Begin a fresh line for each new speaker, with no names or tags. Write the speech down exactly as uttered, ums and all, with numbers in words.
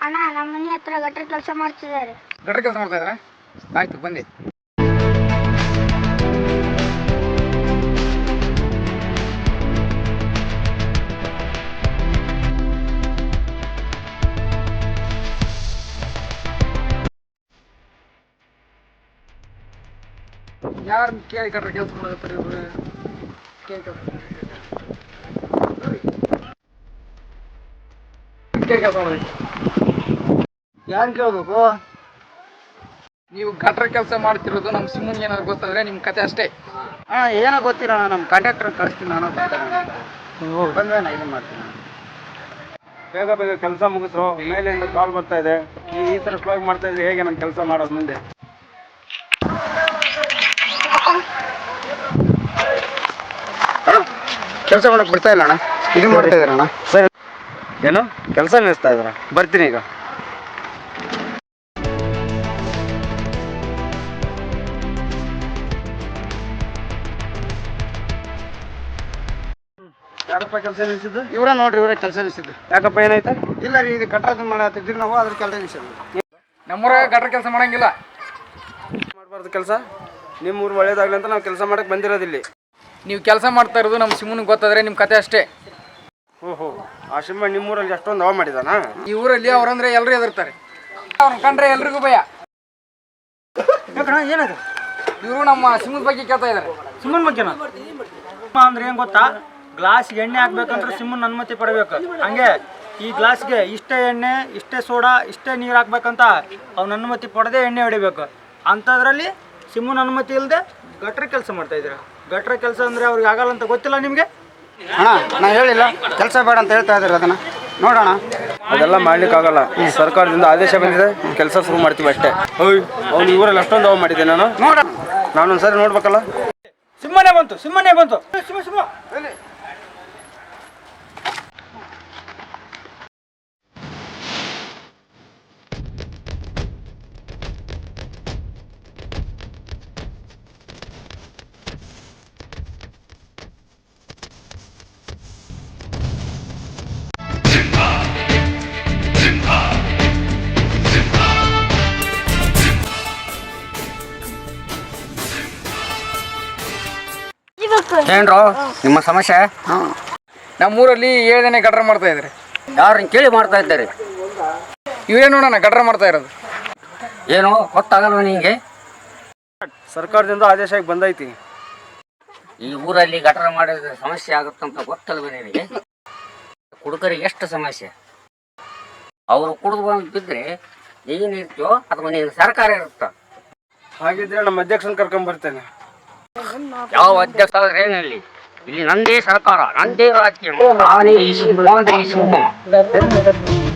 ಅಣ್ಣ ನಮ್ಮ ಮನೆ ಹತ್ರ ಗಟ್ರ ಕೆಲಸ ಮಾಡ್ತಿದ್ದಾರೆ.
ಗಟ್ರ ಕೆಲಸ ಮಾಡ್ತಾ ಇದ್ದಾರೆ. ಆಯ್ತು ಬನ್ನಿ. ಯಾರು ಕೇಳಿ ಗಟ್ರ ಕೆಲಸ ಮಾಡತ್ತಾರೆ ಇವ್ರು? ಕೇಳಿ ಕೆಲಸ ಕೆಲಸ ಮಾಡಿ ಯಾರು ಕೇಳ್ಬೇಕು? ನೀವು ಗಟ್ರ ಕೆಲಸ ಮಾಡ್ತಿರೋದು ನಮ್ಮ ಸಿಮ್ಮನ್ಗೆ ಏನಾದ್ರು ಗೊತ್ತಾದ್ರೆ ನಿಮ್ಮ ಕತೆ ಅಷ್ಟೇ.
ಹಾಂ ಏನೋ ಗೊತ್ತಿಲ್ಲ, ನಮ್ಮ ಕಾಂಟ್ರಾಕ್ಟರ್ ಕಳಿಸ್ತೀನಿ ನಾನು ಬಂದ್ರೆ ನಾನು ಇದು ಮಾಡ್ತೀನಿ.
ಬೇಗ ಬೇಗ ಕೆಲಸ ಮುಗಿಸು, ಮೇಲಿಂದ ಕಾಲ್ ಬರ್ತಾ ಇದೆ. ಈ ಥರ ಸ್ಲೋ ಮಾಡ್ತಾ ಇದ್ರೆ ಹೇಗೆ ನಾನು ಕೆಲಸ ಮಾಡೋದು ಮುಂದೆ?
ಕೆಲಸ ಮಾಡಕ್ಕೆ ಬಿಡ್ತಾ ಇಲ್ಲ ಅಣ್ಣ. ಇದು ಮಾಡ್ತಾ ಇದ್ದಾರೆ ಅಣ್ಣ.
ಸರಿ, ಏನು ಕೆಲಸ ನಿಲ್ಲಿಸ್ತಾ ಇದ್ದಾರ? ಬರ್ತೀನಿ ಈಗ. ಯಾರಪ್ಪ ಕೆಲಸ ನಿಲ್ಸಿದ್ದು?
ಇವರ ನೋಡ್ರಿ, ಇವರೇ ಕೆಲಸ ನಿಲ್ಸಿದ್ದು.
ಯಾಕಪ್ಪ ಏನಾಯ್ತಾ?
ಇಲ್ಲ ರೀ, ಇದು ಕಟ್ಟಡ ಮಾಡತ್ತಿದ್ರಿ ನಾವು, ಅದ್ರ ಕೆಲಸ ನಿಲ್ಸಿದ್ವಿ.
ನಮ್ಮೂರಾಗ ಗಟ್ರ ಕೆಲಸ ಮಾಡಂಗಿಲ್ಲ.
ಮಾಡಬಾರ್ದು ಕೆಲಸ. ನಿಮ್ಮ ಊರು ಒಳ್ಳೇದಾಗಲಿ ಅಂತ ನಾವು ಕೆಲಸ ಮಾಡಕ್ಕೆ ಬಂದಿರೋದಿಲ್ಲಿ.
ನೀವು ಕೆಲಸ ಮಾಡ್ತಾ ಇರೋದು ನಮ್ಮ ಸಿಮ್ಮನಿಗೆ ಗೊತ್ತಾದ್ರೆ ನಿಮ್ಮ ಕತೆ ಅಷ್ಟೇ.
ಓಹೋ, ಆ ಸಿಂಹ ನಿಮ್ಮೂರಲ್ಲಿ ಅಷ್ಟೊಂದು ಹವ ಮಾಡಿದಾನ?
ಈ ಊರಲ್ಲಿ ಅವ್ರಂದ್ರೆ ಎಲ್ಲರೂ ಎದುರ್ತಾರೆ. ಅವ್ರನ್ನ ಕಂಡ್ರೆ ಎಲ್ರಿಗೂ ಭಯ.
ಏನದು?
ಇವರು ನಮ್ಮ ಸಿಮ್ಮದ ಬಗ್ಗೆ ಕೇಳ್ತಾ ಇದ್ದಾರೆ.
ಸಿಮ್ಮನ್ ಬಗ್ಗೆನಾ? ಅಂದ್ರೆ ಏನ್ ಗೊತ್ತಾ, ಗ್ಲಾಸ್ಗೆ ಎಣ್ಣೆ ಹಾಕ್ಬೇಕಂದ್ರೆ ಸಿಮ್ಮನ್ ಅನುಮತಿ ಪಡಬೇಕು. ಹಂಗೆ ಈ ಗ್ಲಾಸ್ಗೆ ಇಷ್ಟೇ ಎಣ್ಣೆ, ಇಷ್ಟೇ ಸೋಡಾ, ಇಷ್ಟೇ ನೀರು ಹಾಕ್ಬೇಕಂತ ಅವ್ನ ಅನುಮತಿ ಪಡೆದೇ ಎಣ್ಣೆ ಹೊಡಿಬೇಕು. ಅಂಥದ್ರಲ್ಲಿ ಸಿಮ್ಮನ್ ಅನುಮತಿ ಇಲ್ಲದೆ ಗಟ್ರ ಕೆಲಸ ಮಾಡ್ತಾ ಇದ್ದೀರಾ. ಗಟ್ರ ಕೆಲಸ ಅಂದ್ರೆ ಅವ್ರಿಗೆ ಆಗಲ್ಲ ಅಂತ ಗೊತ್ತಿಲ್ಲ ನಿಮಗೆ?
ಅಣ್ಣ ನಾ ಹೇಳಿಲ್ಲ ಕೆಲಸ ಬೇಡ ಅಂತ ಹೇಳ್ತಾ ಇದ್ದಾರೆ. ಅದನ್ನ ನೋಡೋಣ.
ಅದೆಲ್ಲ ಮಾಡ್ಲಿಕ್ಕೆ ಆಗಲ್ಲ. ಈ ಸರ್ಕಾರದಿಂದ ಆದೇಶ ಬಂದಿದೆ, ಕೆಲಸ ಶುರು ಮಾಡ್ತೀವಿ ಅಷ್ಟೇ. ಓಯ್, ಅವ್ನು ಇವರಲ್ಲಿ ಅಷ್ಟೊಂದು ಹವ ಮಾಡಿದ್ದೆ ನಾನು.
ನೋಡ,
ನಾನೊಂದ್ಸರಿ ನೋಡ್ಬೇಕಲ್ಲ.
ಸಿಮ್ಮನೆ ಬಂತು, ಸಿಮ್ಮನೆ ಬಂತು. ಸಿಮ್ಮ ಸಿಮ್ಮ
ಏನ್ರೋ ನಿಮ್ಮ ಸಮಸ್ಯೆ?
ನಮ್ಮೂರಲ್ಲಿ ಏಳನೇ ಗಟ್ರ ಮಾಡ್ತಾ ಇದ್ದಾರೆ.
ಯಾರನ್ನ ಕೇಳಿ ಮಾಡ್ತಾ ಇದ್ದಾರೆ?
ಇವರೇ ನೋಡೋಣ ಗಟ್ರ ಮಾಡ್ತಾ ಇರೋದು.
ಏನೋ ಗೊತ್ತಾಗಲ್ವ ನಿಂಗೆ?
ಸರ್ಕಾರದಿಂದ ಆದೇಶ ಬಂದೈತಿ.
ಈ ಊರಲ್ಲಿ ಗಟರ ಮಾಡಿದ್ರೆ ಸಮಸ್ಯೆ ಆಗುತ್ತಂತ ಗೊತ್ತಲ್ವ ನಿನಗೆ? ಕುಡುಕರಿಗೆ ಎಷ್ಟು ಸಮಸ್ಯೆ. ಅವರು ಕುಡಿದು ಬಂದು ಬಿದ್ದರೆ ನೀನು ಇರ್ತೀಯೋ ಅಥವಾ ನೀನು ಸರ್ಕಾರ ಇರುತ್ತ?
ಹಾಗಿದ್ರೆ ನಮ್ಮ ಅಧ್ಯಕ್ಷನ ಕರ್ಕೊಂಡ್ ಬರ್ತೇನೆ.
ಯಾವ ಅಧ್ಯಕ್ಷ ಆದ್ರೆ ಏನಲ್ಲಿ? ಇಲ್ಲಿ ನಂದೇ ಸರ್ಕಾರ, ನಂದೇ ರಾಜ್ಯ, ನಾನೇ ಈ